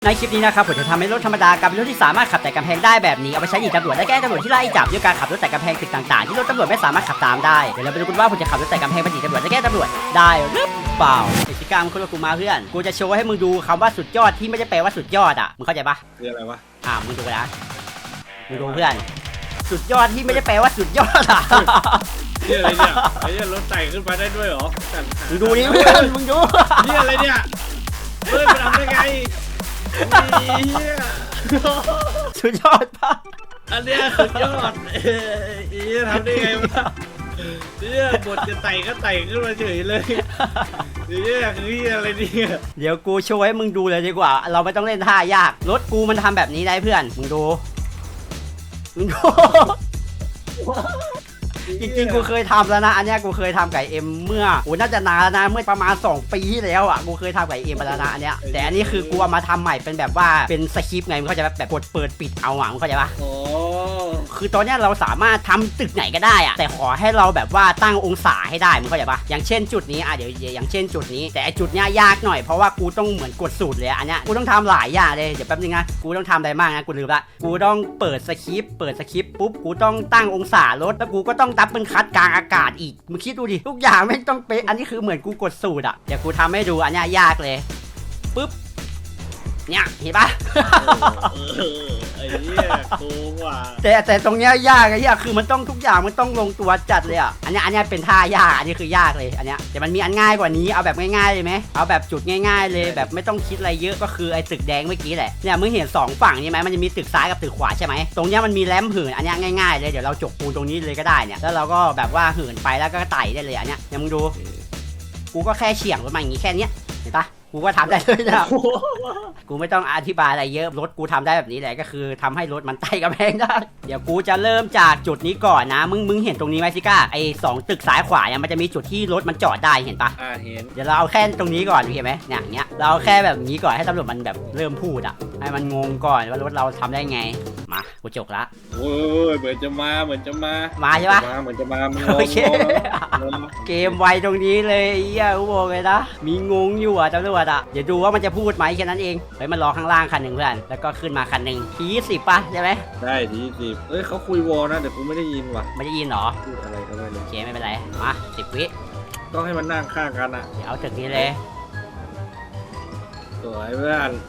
ในคลิปนี้นะครับผมจะทำให้รถธรรมดากลายเป็นรถที่สามารถขับแต่กำแพงได้แบบนี้เอาไปใช้หนีตำรวจและแกล้งตำรวจที่ไล่จับด้วยการขับรถแต่กำแพงตึกต่างๆที่รถตำรวจไม่สามารถขับตามได้เดี๋ยวเราไปดูกันว่าผมจะขับรถแต่กำแพงไปหนีตำรวจและแกล้งตำรวจได้หรือเปล่าไอ้ชิก้ามึงคุยกับกูมาเพื่อนกูจะโชว์ให้มึงดูคำว่าสุดยอดที่ไม่ได้แปลว่าสุดยอดอ่ะมึงเข้าใจปะคืออะไรวะมึงดูนะมึงดูเพื่อนสุดยอดที่ไม่ได้แปลว่าสุดยอดอ่ะนี่อะไรเนี่ยไอ้เนี่ยรถไต่ขึ้นมาได้ด้วยเหรอมึงดูนี่เพื่อนมึงดูนี่อะไรเนี่ยเพื่อนมันทำได้ไงสุดยอดปะอันเนี้ยสุดยอดทำได้ไงวะเนี่ยบทจะไต่ก็ไต่ขึ้นมาเฉยเลยเนี่ยคืออะไรเนี่ยเดี๋ยวกูโชว์ให้มึงดูเลยดีกว่าเราไม่ต้องเล่นท่ายากรถกูมันทำแบบนี้ได้เพื่อนมึงดูจริงๆกูเคยทำแล้วนะอันนี้กูเคยทำไก่เอ็มเมื่อน่าจะนานแล้วนะเมื่อประมาณ2 ปีที่แล้วอ่ะกูเคยทำไก่เอ็มไปแล้วนะอันเนี้ยแต่อันนี้คือกูเอามาทำใหม่เป็นแบบว่าเป็นสคริปต์ไงมึงเข้าใจแบบกดเปิดปิดเอามึงเข้าใจปะคือตอนนี้เราสามารถทำตึกไหนก็ได้อ่ะแต่ขอให้เราแบบว่าตั้งองศาให้ได้มึงเข้าใจปะอย่างเช่นจุดนี้เดี๋ยวอย่างเช่นจุดนี้แต่จุดเนี้ยยากหน่อยเพราะว่ากูต้องเหมือนกดสูตรเลยอันเนี้ยกูต้องทำหลายอย่างเลยเดี๋ยวแป๊บนึงนะกูต้องทำอะไรบ้างนะกูลืมละกูต้องเปิดสคริปต์ปุ๊บกูต้องตั้งองศารถแล้วกูก็ต้องดับเบิลคัทกลางอากาศอีกมึงคิดดูดิทุกอย่างไม่ต้องเป๊ะอันนี้คือเหมือนกูกดสูตรอ่ะเดี๋ยวกูทำให้ดูอันเนี้ยยากเลยปุ๊บเนี่ยเห็นปะไอ้เนี่ยโกงว่ะแต่ตรงเนี้ยยากไอ้เหี้ยคือมันต้องทุกอย่างมันต้องลงตัวจัดเลยอ่ะอันเนี้ยเป็นท่ายากอันนี้คือยากเลยอันเนี้ยแต่มันมีอันง่ายกว่านี้เอาแบบง่ายๆเลยไหมเอาแบบจุดง่ายๆเลยแบบไม่ต้องคิดอะไรเยอะก็คือไอ้ตึกแดงเมื่อกี้แหละเนี่ยมึงเห็น2ฝั่งนี่ไหมมันจะมีตึกซ้ายกับตึกขวาใช่ไหมตรงเนี้ยมันมีแรมเหินอันเนี้ยง่ายๆเลยเดี๋ยวเราจกปูนตรงนี้เลยก็ได้เนี่ยแล้วเราก็แบบว่าเหินไปแล้วก็ไต่ได้เลยอันเนี้ยเนี่ยมึงดูกูก็แค่เฉียงรถมาอย่างงี้แค่เนี้ยเห็นปะกูก็ทำได้เลยนะกูไม่ต้องอธิบายอะไรเยอะรถกูทำได้แบบนี้แหละก็คือทำให้รถมันไต่กำแพงได้เดี๋ยวกูจะเริ่มจากจุดนี้ก่อนนะมึงเห็นตรงนี้ไหมซิก้าไอ้2ตึกซ้ายขวาเนี่ยมันจะมีจุดที่รถมันจอดได้เห็นปะเห็นเดี๋ยวเราเอาแค่ตรงนี้ก่อนเห็นไหมเนี่ยอย่างเงี้ยเราเอาแค่แบบนี้ก่อนให้ตำรวจมันแบบเริ่มพูดอ่ะให้มันงงก่อนว่ารถเราทำได้ไงมากูจกละโอ้ยเหมือนจะมาใช่ปะเหมือนจะมาโอเคเกมไวตรงนี้เลยเหี้ยกูบอกเลยนะมีงงอยู่อ่ะตำรวจอ่ะเดี๋ยวดูว่ามันจะพูดไหมแค่นั้นเองเฮ้ยมันรอข้างล่างคันหนึ่งเพื่อนแล้วก็ขึ้นมาคันหนึ่งที10ป่ะใช่ไหมได้ที10เอ้ยเขาคุยวอลนะเดี๋ยวกูไม่ได้ยินว่ะไม่ได้ยินหรอพูดอะไรก็ไม่รู้โอเคไม่เป็นไรมา10 วิต้องให้มันนั่งข้างกันอ่ะเดี๋ยวเอาตึกนี้เลยสวยเพื่อน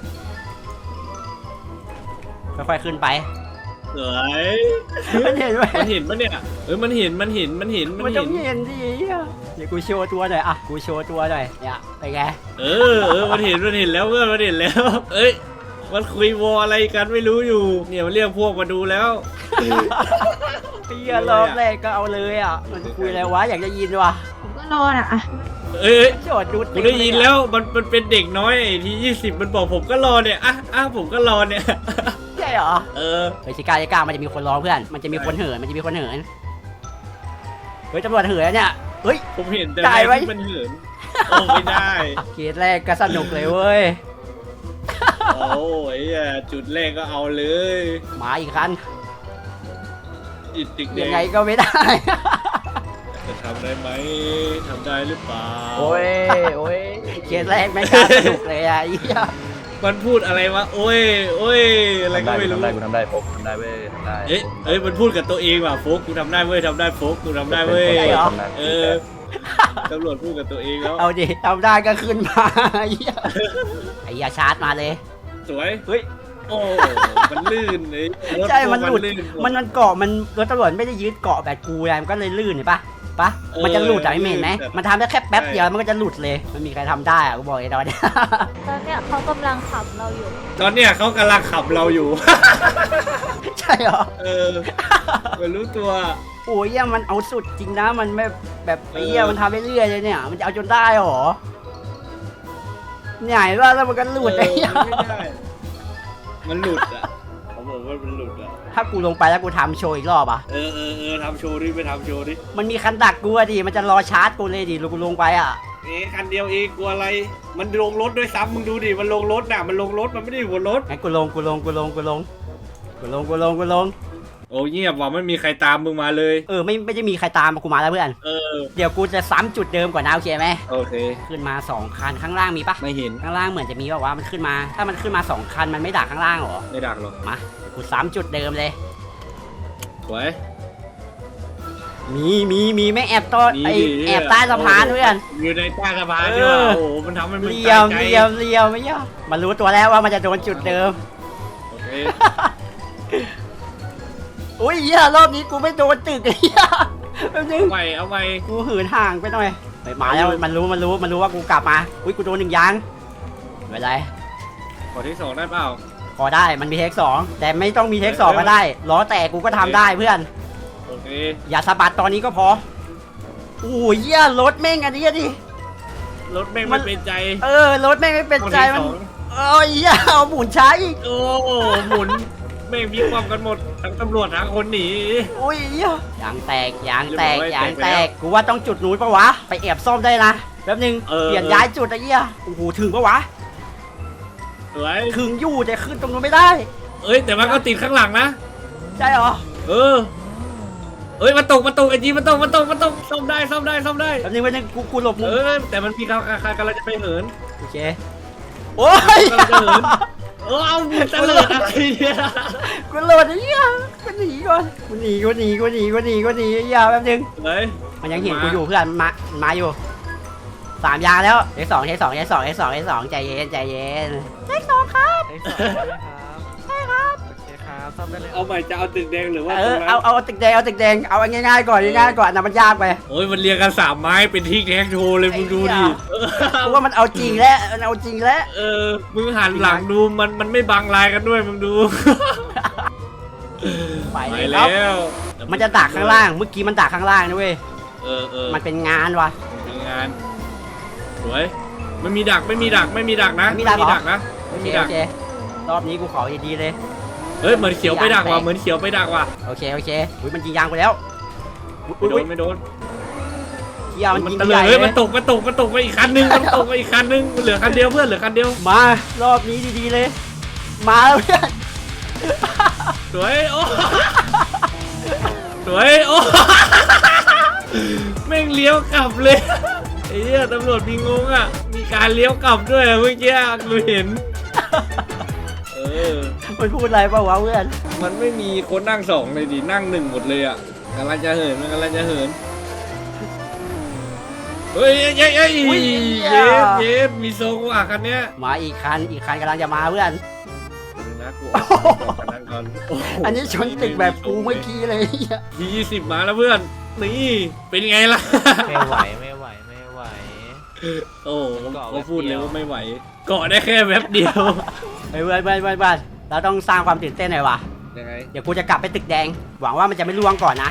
ค่อยๆขึ้นไปสวยมันเห็นไหมมันเห็นปะเนี่ยมันเห็นต้องเห็นดิเดี๋ยวกูโชว์ตัวหน่อยอ่ะกูโชว์ตัวหน่อยเนี่ยไปไงมันเห็นแล้วเพื่อนมันเห็นแล้วเอ้ยมันคุยวออะไรกันไม่รู้อยู่เนี่ยมันเรียกพวกมาดูแล้วพี่รอบแรกก็เอาเลยอ่ะมันคุยอะไรวะอยากจะยินวะผมก็รอน่ะโจทย์ดูกูได้ยินแล้วมันเป็นเด็กน้อยที่20มันบอกผมก็รอเนี่ยผมก็รอเนี่ยใช่เหรอเฮ้ยชิก้ามันจะมีคนรอเพื่อนมันจะมีคนเหินเฮ้ยตำรวจเหินเนี่ยเฮ้ยผมเห็นแต่ไม่มันเหินไม่ได้เกมแรกก็สนุกเลยเว้ยโอ้ยจุดแรกก็เอาเลยมาอีกคันยังไงก็ไม่ได้จะทำได้ไหมทำได้หรือเปล่าโอ้ยเกมแรกไม่กล้าสนุกเลยอ่ะมันพูดอะไรวะโอ้ยอะไรก็ไม่รู้กูทำได้โฟกทำได้เว้ยทำได้เอ้ยมันพูดกับตัวเองว่ะโฟกกูทำได้เว้ยโฟกกูทำได้เว้ยตำรวจพูดกับตัวเองแล้วเอาดิทำได้ก็ขึ้นมาไอ้ยาชาร์จมาเลยสวยเฮ้ยโอ้มันลื่นเลยใช่มันหลุดมันเกาะมันรถตำรวจไม่ได้ยึดเกาะแบบกูไงมันก็เลยลื่นเห็นปะมันจะหลุดไม่เห็นไหมมันทำได้แค่แป๊บเดียวมันก็จะหลุดเลยมันมีใครทำได้อะกูบอกไอ้ตอนนี้เขากำลังขับเราอยู่ใช่เหรอมันรู้ตัวโอ้ยมันเอาสุดจริงนะมันไม่แบบไอ้เหี้ยมันทำไปเรื่อยเลยเนี่ยมันจะเอาจนได้หรอใหญ่ว่าแล้วมันก็หลุดไอ้เหี้ยมันหลุดอ่ะเขาบอกว่ามันหลุดอ่ะถ้ากูลงไปแล้วกูทำโชว์อีกรอบอ่ะทำโชว์ดิไปทำโชว์ดิมันมีคันดักกูอะดิมันจะรอชาร์จกูเลยดิกูลงไปอ่ะคันเดียวเองกลัวอะไรมันลงรถด้วยซ้ำมึงดูดิมันลงรถน่ะมันลงรถมันไม่ได้อยู่บนรถงั้นกูลงโอ้เงียบว่ะไม่มีใครตามมึงมาเลยไม่ได้มีใครตามกูมาแล้วเพื่อน เดี๋ยวกูจะซ้ำจุดเดิมก่อนนะโอเคไหมโอเคขึ้นมา2คันข้างล่างมีปะไม่เห็นข้างล่างเหมือนจะมีว่ามันขึ้นมา ถ้ามันขึ้นมา2คันมันไม่ดักข้างล่างเหรอไม่ดักหรอกมากูซ้ำจุดเดิมเลยสวยมีไม่แอบต้นมีไอดิแอบใต้สะพานเพื่อนอยู่ในใต้สะพานด้วยโอ้โหมันทำให้มึงเลียวตายใจเลียวไม่ยอมมันรู้ตัวแล้วว่ามันจะโดนจุดเดิมโอเคอุ้ยเหี้ยรอบนี้กูไม่โดนตึกไอ้เหี้ยแป๊บนึงเอาใหม่กูหืนห่างไปหน่อยไปมาแล้วมันรู้ว่ากูกลับมาอุ้ยกูโดน1 ยางไม่เป็นไรขอที่2ได้เปล่าพอได้มันมีเทค2แต่ไม่ต้องมีเทค2ก็ได้ล้อแตกกูก็ทำได้เพื่อนโอเคอย่าสะบัดตอนนี้ก็พอโอ้ยเหี้ยรถแม่งอันนี้ดิรถแม่งไม่เป็นใจรถแม่งไม่เป็นใจมันขอที่เอ้ยเหี้ยเอาหมุนช้าอีก 2โอ้หมุนแม่งมีความกันหมดทั้งตำรวจทั้งคนหนีโอ้ยเหี้ยยางแตกเรียบร้อยยางแตแตกกกูว่าต้องจุดนู้นปะวะไปแอบซ่อมได้นะแป๊บนึงเออเปลี่ยนย้ายจุดไอ้เหี้ยโอ้โหถึงปะวะสวยถึงอยู่แต่ขึ้นตรงนู้นไม่ได้เอ้ยแต่มันก็ติดข้างหลังนะใช่เหรอเอ้ยมันตกไอ้จีมันตกซ่อมได้แป๊บนึงกูหลบมุมแต่มันมีกำลังจะไปเหินโอเคโอ้ยกำลังจะเหินเอามึงตะเลิดอะไรเนี่ยกูโหลดไอ้เหี้ยกูหนีก่อนกูหนีไอ้เหี้ยแป๊บนึงเฮ้ยมันยังเห็นกูอยู่เพื่อนมันมาอยู่3 ยางแล้วเทค2ใจเย็นเทค2ครับ ใช่ครับโอเคครับซ่อมได้เลยเอาใหม่จะเอาตึกแดงหรือว่าเอาตึกแดงเอาง่ายๆก่อนนะมันยากไปโอ้ยมันเรียงกัน3 ไม้เป็นที่แท็กโชว์เลยมึงดูดิเพราะว่ามันเอาจริงแล้วมึงหันหลังดูมันไม่บังลายกันด้วยมึงดูไปไปแล้แล้ว วมันจะดักข้างล่างเมื่อกี้มันดักข้างล่างนะเว้ยมัมันนเป็นงานว่ะเป็นงานสวยไม่มีดักนะไม่มีดักนะโอเครอบนี้กูขอดีๆเลยเฮ้ยเหมือนเขียวไปดักว่ะโอเคอุ้ยมันยิงยางไปแล้วไม่โดนเหี้ยมันยิงตะใหเลญ่ยเลยมันตกไปอีกคันนึงมันเหลือคันเดียวเพื่อนเหลือคันเดียวมารอบนี้ดีๆเลย มาแล้วเพื่อนสวยโอ้สวยโอ้แม่งเลี้ยวกลับเลยไอ้เหี้ยตำรวจมีงงอ่ะมีการเลี้ยวกลับด้วยเมื่อกี้กูเห็นมันพูดอะไรเปล่าวะเพื่อนมันไม่มีคนนั่ง2เลยดินั่ง1หมดเลยอ่ะกำลังจะเหินเฮ้ยเย็บมีทรงว่ะคันเนี้ยมาอีกคันกำลังจะมาเพื่อนนะกูเอาคันนั้นก่อนอันนี้ชนตึกแบบกูเมื่อกี้เลยที20มาแล้วเพื่อนนี่เป็นไงล่ะไม่ไหวโอ้เขาพูดเลยว่าไม่ไหวเกาะได้แค่แป๊บเดียวเฮ้ยเพื่อนเราต้องสร้างความตื่นเต้นหน่อยว่ะยังไงเดี๋ยวกูจะกลับไปตึกแดง หวังว่ามันจะไม่ล่วงก่อนนะ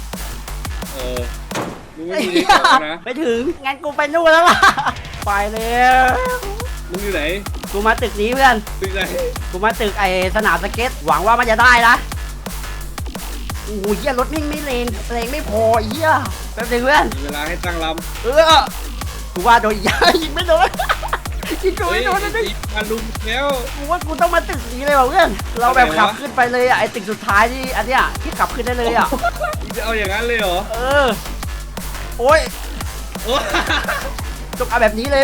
มึงไม่มีที่เกาะนะไม่ถึง งั้นกูไปนู่นแล้วล่ะ ไปแล้วมึงอยู่ไหนกูมาตึกนี้เพื่อนตึกไหนกูมาตึกไอ้สนามสเก็ต หวังว่ามันจะได้นะโอ้ยเหี้ยรถนิ่งไม่เลงไม่พอเหี้ยแป๊บนึงเพื่อนมีเวลาให้ตั้งลกูว่าโดนยิงไม่โดนยิงกูำไม่โดนนะมาลุมแล้วกูว่ากูต้องมาตึกนี้เลยว่ะเพื่อน เราแบบขับขึ้นไปเลยอ่ะไอ้ตึกสุดท้ายที่อันเนี้ยที่ขับขึ้นได้เลยอ่ะมึงจะเอาอย่างนั้นเลยเหรอโอ้ยโอ้ต้องเอาแบบนี้เลย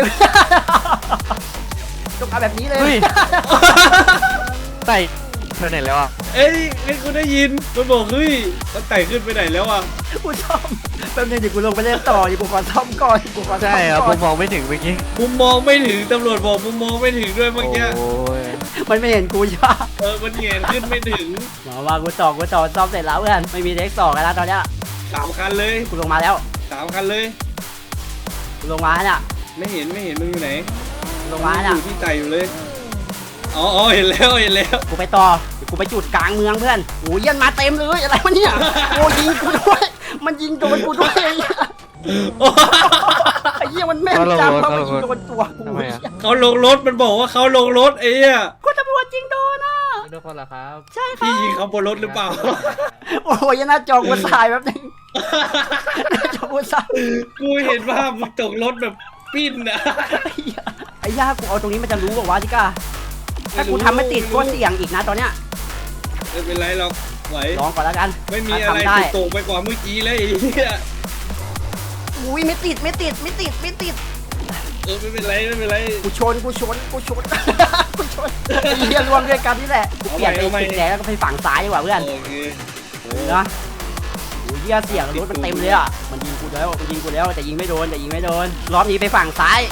ต้องเอาแบบนี้เลยเฮ้ย ไต่เธอไหนแล้วอ่ะเอ้ยกูได้ยินมันบอกเฮ้ยมันไต่ขึ้นไปไหนแล้วอ่ะกูซ่อมแป๊บนึงเดี๋ยวกูลงไปเล่นต่อเดี๋ยวกูขอซ่อมก่อนกูขอซ่อมใช่ครับก่ผอนมมองไม่ถึงเมื่อกี้มุมมองไม่ถึงตำรวจบอกมุมมองไม่ถึงด้วยเมื่อกี้โอ้ยมันไม่เห็นกูใช่ปะมันเงยขึ้นไม่ถึงหมอว่ากูต่อซ่อมเสร็จแล้วเพื่อนไม่มีเทค2กันแล้วตอนเนี้ย 3 คันเลยกูลงมาแล้ว 3 คันเลยกูลงมาเนี่ยไม่เห็นมึงอยู่ไหนลงมาเนี่ยอยู่ที่ไต่อยู่เลยอ๋อเห็นแล้วกูไปต่อเดี๋ยวกูไปจุดกลางเมืองเพื่อนโอ้ยยันมาเต็มเลยอะไรวะเนี่ยโอ้ยิงกูด้วยมันยิงโดนกูด้วยไอ้เหี้ยมันแม่นจังเพราะมันยิงโดนตัวกูทำไมอ่ะเขาลงรถมันบอกว่าเขาลงรถไอ้เนี่ยกูตำรวจยิงโดนอ่ะไม่ทุกคนเหรอครับใช่ครัพี่บยิงเขาบนรถหรือเปล่าโอ้ยหน้าจอกูสายแป๊บนึงหน้าจอกูสายกูเห็นว่ามึงตกรถแบบปิ้นอะไอ้ย่ากูเอาตรงนี้มันจะรู้บอกว่าจิก้าถ้ากูทำไม่ติดก็เสี่ยงอีกนะตอนเนี้ยไม่เป็นไรหรอกไหวลองก่อนแล้วกันไม่มีอะไรทำได้สุดโต่งไปกว่าเมื่อกี้เลยไอ้เหี้ยอุ้ยไม่ติดไม่ติดไม่ติดไม่ติดไม่เป็นไรไม่เป็นไรกูชนกูชนกูชน กูชนไอ้เหี้ยรวมด้วยกันนี่แหละกูเปลี่ยนไปติดแดงแล้วก็ไปฝั่งซ้ายดีกว่าเพื่อนโอเคนะโอ้ยเหี้ยเสียงรถมันเต็มเลยอ่ะมันยิงกูแล้วมันยิงกูแล้วแต่ยิงไม่โดนแต่ยิงไม่โดนรอบนี้ไปฝั่งซ้าย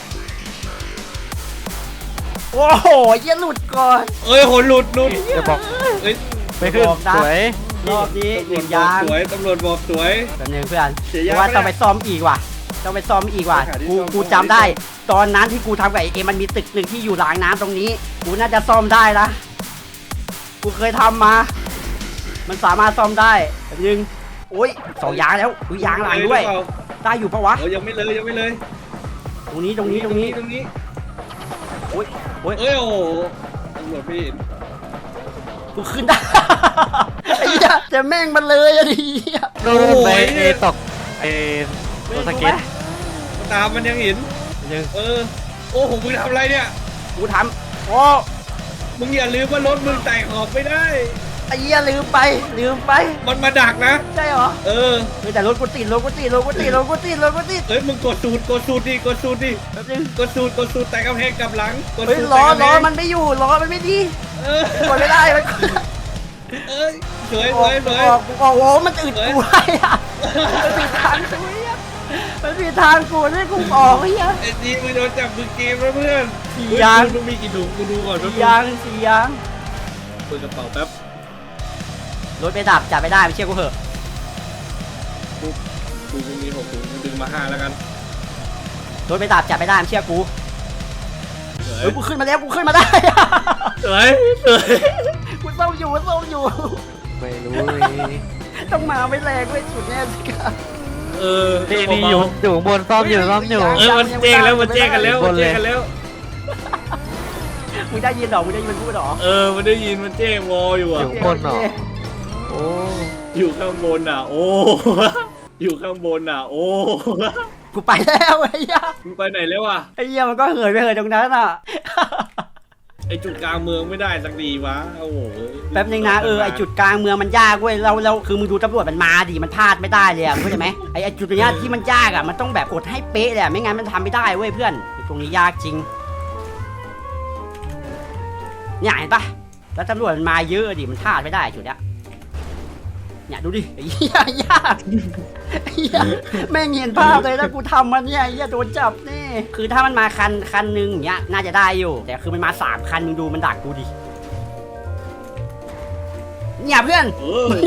โอ้โหเหี้ยหลุดก่อนเอ้ยโหหลุดจะบอกเอ้ยไม่ขึ้นบอกนะสวยรอบนี้หนึ่งยางสวยตำรวจบอกสวยแบบนึงเพื่อนเสียเพยางราะว่าไม่ได้ต้องไปซ่อมอีกว่ะต้องไปซ่อมอีกว่ะหาที่กูซ่อมกูจำได้ ตอนนั้นที่กูทำกับไอเอ็มมันมีตึกหนึ่งที่อยู่รางน้ำตรงนี้กูน่าจะซ่อมได้นะกูเคยทำมา มันสามารถซ่อมได้แบบนึงโอ้ยสองยางแล้วอุ้ยยางหลังด้วยเอ้ได้อยู่ปะวะเอ้ยยังไม่เลยยังไม่เลยตรงนี้ตรงนี้ตรงนี้ตรงนี้โอ้ยโอ้ยเอ้ยโอ้โหตำรวจไม่เห็นกูขึ้นได้ ไอ้เหี้ยจะแม่งมันเลยอะดิโดนไปตกไอ้ตัวสเก็ตตามมันยังเห็นนึงโอ้โหมึงทำอะไรเนี่ยกูทำโอ้มึงอย่าลืมว่ารถมึงไต่ขอบไม่ได้ไอ้เหี้ยลืมไปมันมาดักนะใช่เหรอเออเฮ้ยแต่รถกูติดรถกูติดรถกูติดรถกูติดรถกูติดเอ้ยมึงกดสูตรดิกดสูตรดิแป๊บนึงกดสูตรแต่กำแพงกลับหลังกดเฮ้ยสูตรล้อแต่กำแพล้อง มันไม่อยู่ล้อมันไม่ดีเออกดไม่ได้มันเอ้ยสวยออกสวยออกโอ้โหมันอึดกูไว้อะมันผิดทางกูอะมันผิดทางกูนี่กูออกไอ้เหี้ยไอ้จีมึงโดนจับมือเกมแล้วเพื่อนสี่ยางมึงมีกี่ถุงกูดูก่อนสี่ยางสี่ยางเปิดกระเป๋าแป๊บรถไปดับจับไม่ได้ไม่เชื่อกูเหอะกูมี6ถุงกูดึงมา5แล้วกันรถไปดับจับไม่ได้ไม่เชื่อกูสวยเฮ้ยกูขึ้นมาแล้วกูขึ้นมาได้สวยสวยกูเศร้าอยู่กูเศร้าอยู่ไม่รู้ต้องมาไม่แรงไม่สุดแน่สิครับนี่อยู่ข้างบนซ่อมอยู่มันแจ้งแล้วมันแจ้งกันแล้วมันแจ้งกันแล้วมึงได้ยินเหรอมึงได้ยินมันพูดเหรอมันได้ยินมันแจ้งวออยู่ออ่ะยู่ข้างบนเหรอโอ้อยู่ข้างบนอ่ะ โอ้อยู่ข้างบนอ่ะ โอ้กูไปแล้วไอ้เหี้ยมึงไปไหนแล้วอ่ะไอ้เหี้ยมันก็เหินไปเหินตรงนั้นอ่ะไอจุดกลางเมืองไม่ได้สักดีวะโอ้โหแป๊บนึงนะไอจุดกลางเมืองมันยากเว้ยเราคือมึงดูตำรวจมันมาดิมันพลาดไม่ได้เลยอ่ะเข้าใจไหมไอจุดตรงเนี้ยที่มันยากอ่ะมันต้องแบบกดให้เป๊ะเลยอ่ะไม่งั้นมันทำไม่ได้เว้ยเพื่อนตรงนี้ยากจริงเนี่ยเห็นปะแล้วตำรวจมันมาเยอะดิมันพลาดไม่ได้จุดเนี้ยเนี่ยดูดิไอ้เหี้ยยากไอ้เหี้ยแม่งเห็นภาพเลยแล้วกูทำมันเนี่ยไอ้เหี้ยโดนจับแน่คือถ้ามันมาคันหนึงอย่างเงี้ยน่าจะได้อยู่แต่คือมันมา3 คันมึงดูมันดักกูดิเนี่ยเพื่อนเออ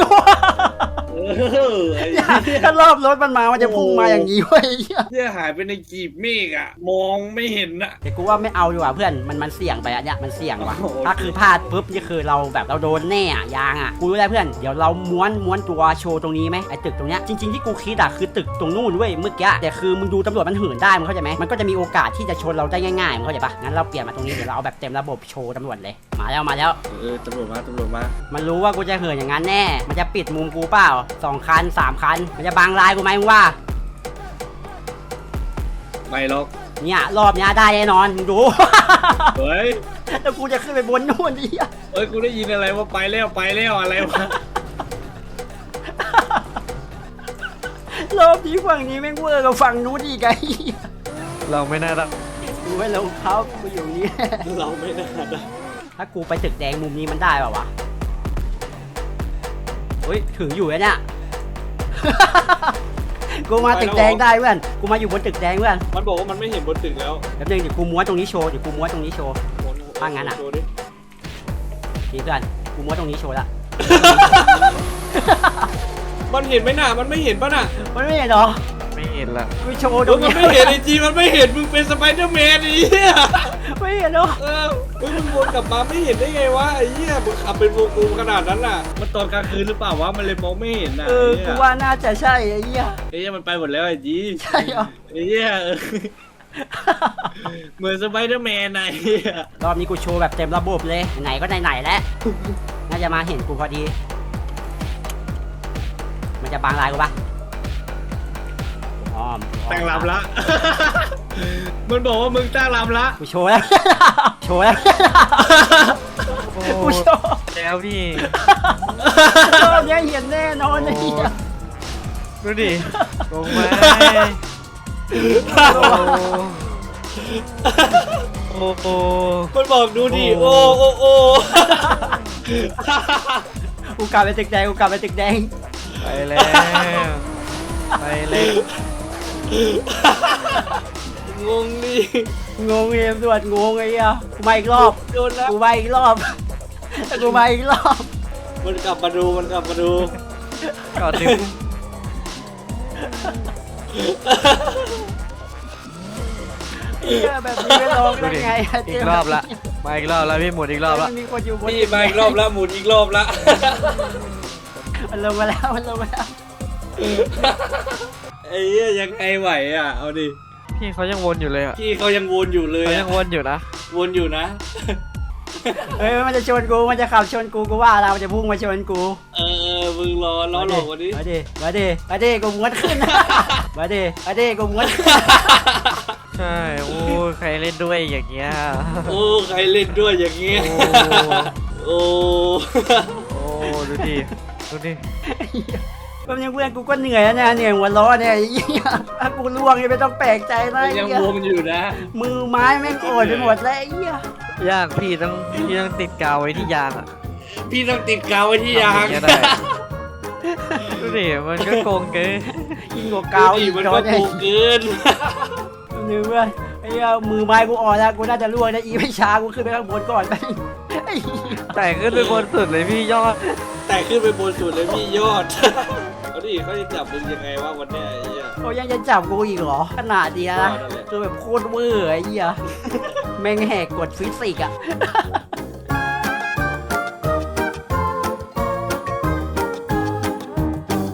ไอ้เนี่ยเหี้ยถ้ารอบรถมันมามันจะพุ่งมาอย่างนี้เว้ยเหี้ยเนี่ยหายไปในกีบเมฆอ่ะ มองไม่เห็นอ่ะแต่กูว่าไม่เอาดีกว่าเพื่อนมันเสี่ยงไปอันเนี้ยมันเสี่ยงว่ะโอ้โหถ้าคือพลาดปุ๊บนี่คือเราแบบเราโดนแน่อะยางอะกูรู้แล้วเพื่อนเดี๋ยวเราม้วนตัวโชว์ตรงนี้ไหมไอ้ตึกตรงเนี้ยจริงๆที่กูคิดอะคือตึกตรงนู่นเว้ยเมื่อกี้แต่คือมึงดูตำรวจมันเหินได้มึงเข้าใจไหมมันก็จะมีโอกาสที่จะชนเราได้ง่ายๆมึงเข้าใจปะงั้นเราเปลี่ยนมาตรงนี้เดี๋ยวเราเอาแบบเต็มระบบโชว์ตำรวจเลยมาแล้วตำรวจมามันรู้ว่ากูจะเหินอย่างนั้นแน่มันจะปิดมุมกูเปล่า2 คัน 3 คันมันจะบังลายกูไหมมึงว่าไม่หรอกเนี่ยรอบเนี้ยได้แน่นอนมึงดูเฮ้ยแล้วกูจะขึ้นไปบนนู่นดิเอ้ยกูได้ยินอะไรว่าไปแล้วอะไรวะรอบนี้ฝั่งนี้แม่งเวอร์กับฝั่งนู้นอีกไงเราไม่น่ารักกูไม่ลงเขากูอยู่นี่เราไม่น่าได้ถ้ากูไปตึกแดงมุมนี้มันได้ป่าวะเฮ้ยถึงอยู่แล้วเนี่ย กูมาตึกแดงได้เพื่อนกูมาอยู่บนตึกแดงเพื่อนมันบอกว่ามันไม่เห็นบนตึกแล้วแป๊บนึงเดี๋ยวกูม้วนตรงนี้โชว์ว่างั้นอะโชว์ดินี่เพื่อนกูม้วนตรงนี้โชว์ละมันเห็นไหมน่ะมันไม่เห็นป่ะน่ะมันไม่เห็นเหรอไม่เห็นละกูโชว์ตรงมันนี้ไม่เห็นไอจีมันไม่เห็นมึงเป็นสไปเดอร์แมนไอ้เหี้ยไม่เห็นเหรอเฮ้ยมึงวนกลับมาไม่เห็นได้ไงวะไอ้เหี้ยมึงขับเป็นวงกลมขนาดนั้นน่ะมันตอนกลางคืนหรือเปล่าวะมันเลยมองไม่เห็นน่ะกูว่าน่าจะใช่ไอ้เหี้ยไอ้เหี้ยมันไปหมดแล้วไอ้จีใช่เหรอไอ้เหี้ยเหมือนสไปเดอร์แมนไอ้เหี้ยรอบนี้กูโชว์แบบเต็มระบบเลยไหนก็ไหนๆแล้วน่าจะมาเห็นกูพอดีมันจะบังลายกูปะอ้อมตั้งลำละ มันบอกว่ามึงตั้งลำละกูโชว์แล้ว โชว์แล้ว กูโชว์แย่แล้วพี่รอบนี้เห็นแน่นอนไอ้เหี้ยดูดิลงมาโอ้โหมันบอกดูดิโอ้โอ้กูกลับไปตึกแดงกูกลับไปตึกแดงไปแล้วไปแล้วงงดิงงเอ็มด่วนงงไอ้เหี้ยกูมาอีกรอบโดนแล้วกูมาอีกรอบกูมาอีกรอบมันกลับมาดูมันกลับมาดูก่อนถึงเหี้ยแบบนี้ไม่ลงดูได้ดิไงอีกรอบละมาอีกรอบแล้วพี่หมุนอีกรอบละมันมีคนอยู่บนพี่มาอีกรอบแล้วหมุนอีกรอบละมันลงมาแล้วมันลงมาแล้วไอ้เหี้ยยังไงไหวอ่ะเอาดิพี่เขายังวนอยู่เลยอ่ะพี่เขายังวนอยู่เลยเขาอะยังวนอยู่นะวนอยู่นะเฮ้ยมันจะชนกูมันจะขับชนกูกูว่าเรามันจะพุ่งมาชนกูมึงรอล้อหลอกวันนี้มาดิมาดิมาดิกูม้วนขึ้นมาดิมาดิกูม้วนขึ้นใช่โอ้ยใครเล่นด้วยอย่างเงี้ยโอ้ใครเล่นด้วยอย่างเงี้ยโอ้โอ้โอ้ดูดิดูดิก็ยังเพื่อนกูก็เหนื่อยแล้วเนี่ยเหนื่อยหัวล้อเนี่ยไอ้เหี้ยถ้ากูล่วงนี่ไม่ต้องแปลกใจนะมันไอ้ยังเหี้ยวนอยู่นะมือไม้แม่งโอดไปหมดแล้วไอ้เหี้ยยากพี่ต้องติดกาวไว้ที่ยางอ่ะพี่ต้องติดกาวไว้ที่ยางทำอย่างเงี้ยได้ดูดิมันก็โกงเกินยิ่งกว่ากาวดูดิอีกมันโดก็นเนี่ยถูกเกินเหนื่อยเพื่อนไอ้เหี้ยมือไม้กูอ่อนแล้วกูน่าจะล่วงนะอีไม่ช้ากูขึ้นไปข้างบนก่อนไปไอ้เหี้ยแต่ขึ้นไปบนสุดเลยพี่ยอดแต่ขึ้นไปบนสุดเลยพี่ยอด เอาดิเขาจะจับมึงยังไงวะวันเนี้ยไอ้เหี้ยเขายังจะจับกูอีกเหรอขนาดเดียวนะนั่นแหละคือแบบโคตรเวอร์ไอ้เหี้ยแม่งแหกกฎฟิสิกส์อ่ะ